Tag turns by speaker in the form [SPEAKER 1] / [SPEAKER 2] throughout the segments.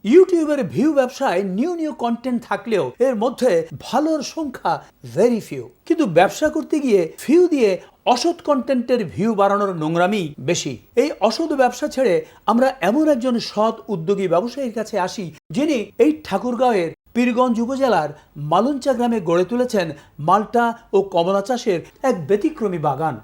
[SPEAKER 1] ইউটিউবের ভিউ ব্যবসায় new content থাকলেও এর মধ্যে ভালোর সংখ্যা ভেরি ফিউ। কিন্তু ব্যবসা করতে গিয়ে ভিউ দিয়ে অসৎ কন্টেন্টের ভিউ বাড়ানোর নোংরামি বেশি। এই অসৎ ব্যবসা ছেড়ে আমরা এমন একজন সৎ উদ্যোগী ব্যবসায়ীর কাছে আসি, যিনি এই ঠাকুরগাঁওয়ের পীরগঞ্জ উপজেলার মালঞ্চা গ্রামে গড়ে তুলেছেন মাল্টা ও কমলা চাষের এক ব্যতিক্রমী বাগান।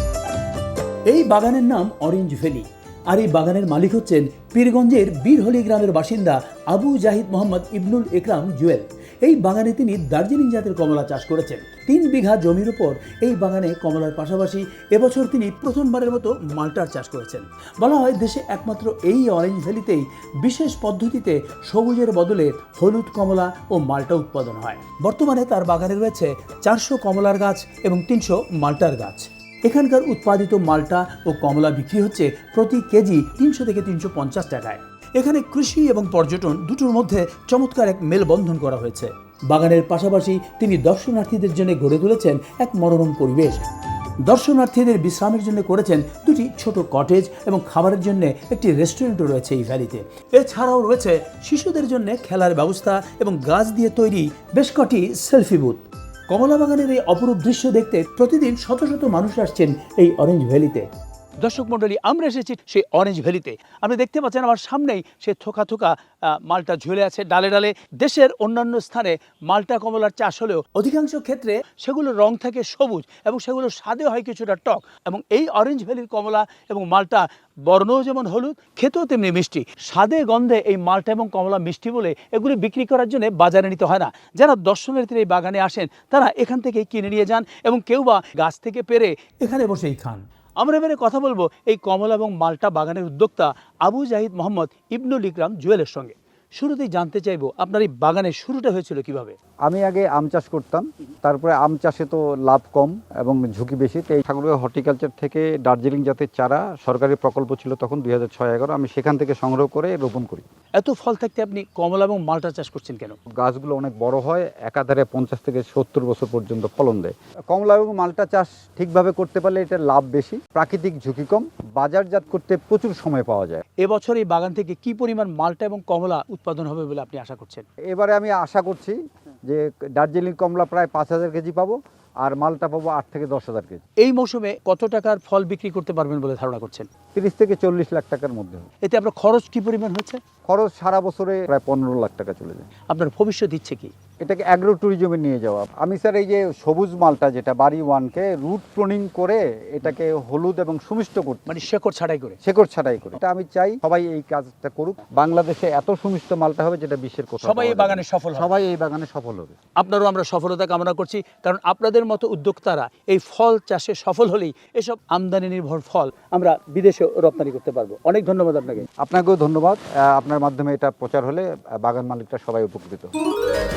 [SPEAKER 1] এই বাগানের নাম অরেঞ্জ ভ্যালি। আর এই বাগানের মালিক হচ্ছেন পীরগঞ্জের বীরহলি গ্রামের বাসিন্দা আবু জাহিদ মোহাম্মদ ইবনুল ইকরাম জুয়েল। এই বাগানে তিনি দার্জিলিং জাতের কমলা চাষ করেছেন। 3 বিঘা জমির উপর এই বাগানে কমলার পাশাপাশি এবছর তিনি প্রথমবারের মতো মাল্টার চাষ করেছেন। বলা হয় দেশে একমাত্র এই অরেঞ্জ ভ্যালিতেই বিশেষ পদ্ধতিতে সবুজের বদলে হলুদ কমলা ও মাল্টা উৎপাদন হয়। বর্তমানে তার বাগানে রয়েছে 400 কমলার গাছ এবং 300 মাল্টার গাছ। এখানকার উৎপাদিত মাল্টা ও কমলা বিক্রি হচ্ছে প্রতি কেজি 300 থেকে 350 টাকায়। এখানে কৃষি এবং পর্যটন দুটোর মধ্যে চমৎকার এক মেলবন্ধন করা হয়েছে। বাগানের পাশাপাশি তিনি দর্শনার্থীদের জন্য গড়ে তুলেছেন এক মনোরম পরিবেশ। দর্শনার্থীদের বিশ্রামের জন্য করেছেন 2টি ছোট কটেজ এবং খাবারের জন্য একটি রেস্টুরেন্টও রয়েছে এই ভ্যালিতে। এছাড়াও রয়েছে শিশুদের জন্য খেলার ব্যবস্থা এবং গাছ দিয়ে তৈরি বেশ কটি সেলফি বুথ। কমলা বাগানের এই অপরূপ দৃশ্য দেখতে প্রতিদিন শত শত মানুষ আসছেন এই অরেঞ্জ ভ্যালিতে। দর্শক মণ্ডলী, আমরা এসেছি সেই অরেঞ্জ ভ্যালিতে। আপনি দেখতে পাচ্ছেন আমার সামনেই সে থোকা থোকা মাল্টা ঝুলে আছে ডালে ডালে। দেশের অন্যান্য স্থানে মাল্টা কমলার চাষ হলেও অধিকাংশ ক্ষেত্রে সেগুলোর রং থাকে সবুজ এবং সেগুলো স্বাদে হয় কিছুটা টক। এবং এই অরেঞ্জ ভ্যালির কমলা এবং মাল্টা বর্ণও যেমন হলুদ, খেতেও তেমনি মিষ্টি। স্বাদে গন্ধে এই মাল্টা এবং কমলা মিষ্টি বলে এগুলি বিক্রি করার জন্য বাজারে নিতে হয় না। যারা দর্শনার্থীরা এই বাগানে আসেন তারা এখান থেকে কিনে নিয়ে যান এবং কেউ বা গাছ থেকে পেরে এখানে বসেই খান। আমরা এবারে কথা বলবো এই কমলা এবং মাল্টা বাগানের উদ্যোক্তা আবু জাহিদ মোহাম্মদ ইবনুল ইকরাম জুয়েলের সঙ্গে। শুরুতেই জানতে চাইবো আপনার এই বাগানের শুরুটা হয়েছিল কিভাবে?
[SPEAKER 2] আমি আগে আম চাষ করতাম, তারপরে আম চাষে তো লাভ কম এবং ঝুঁকি বেশি। তো এই ঠাকুরগাঁও হর্টিকালচার থেকে দার্জিলিং জাতের চারা সরকারি প্রকল্প ছিল তখন 2006-11, আমি সেখান থেকে সংগ্রহ করে রোপণ করি।
[SPEAKER 1] এত ফল থাকতে আপনি কমলা এবং মাল্টা চাষ করছেন কেন?
[SPEAKER 2] গাছগুলো অনেক বড় হয়, একাধারে 50 থেকে 70 বছর পর্যন্ত ফলন দেয়। কমলা এবং মাল্টা চাষ ঠিকভাবে করতে পারলে এটা লাভ বেশি, প্রাকৃতিক ঝুঁকি কম, বাজারজাত করতে প্রচুর সময় পাওয়া যায়।
[SPEAKER 1] এবছর এই বাগান থেকে কি পরিমাণ মাল্টা এবং কমলা উৎপাদন হবে বলে আপনি আশা করছেন?
[SPEAKER 2] এবারে আমি আশা করছি যে দার্জিলিং কমলা প্রায় 5000 কেজি পাবো, আর মালটা পাবো 8 থেকে 10,000 কেজি।
[SPEAKER 1] এই মৌসুমে কত টাকার ফল বিক্রি করতে পারবেন বলে ধারণা করছেন?
[SPEAKER 2] 30 থেকে 40 লাখ টাকার মধ্যে।
[SPEAKER 1] এতে আপনার খরচ কি পরিমাণ হচ্ছে?
[SPEAKER 2] খরচ সারা বছরে প্রায় 15 লাখ টাকা চলে যায়।
[SPEAKER 1] আপনার ভবিষ্যৎ ইচ্ছে কি?
[SPEAKER 2] এটাকে অ্যাগ্রো ট্যুরিজমে নিয়ে যাওয়া। আমি স্যার এই যে সবুজ মালটা যেটা বাড়ি 1কে রুট প্রুনিং করে এটাকে হলুদ এবং সুমিষ্ট করতে,
[SPEAKER 1] মানে শেকড় ছাঁটাই করে।
[SPEAKER 2] শেকড় ছাঁটাই করে। এটা আমি চাই সবাই এই কাজটা করুক। বাংলাদেশে এত সুমিষ্ট মালটা হবে যেটা বিশ্বের কোথাও
[SPEAKER 1] সবাই এই বাগানে সফল হবে।
[SPEAKER 2] সবাই এই বাগানে সফল হবে।
[SPEAKER 1] আপনারও আমরা সফলতা কামনা করছি, কারণ আপনাদের মতো উদ্যোক্তারা এই ফল চাষে সফল হলেই এসব আমদানি নির্ভর ফল আমরা বিদেশে রপ্তানি করতে পারবো। অনেক ধন্যবাদ আপনাকে।
[SPEAKER 2] আপনাকেও ধন্যবাদ। আপনার মাধ্যমে এটা প্রচার হলে বাগান মালিকরা সবাই উপকৃত।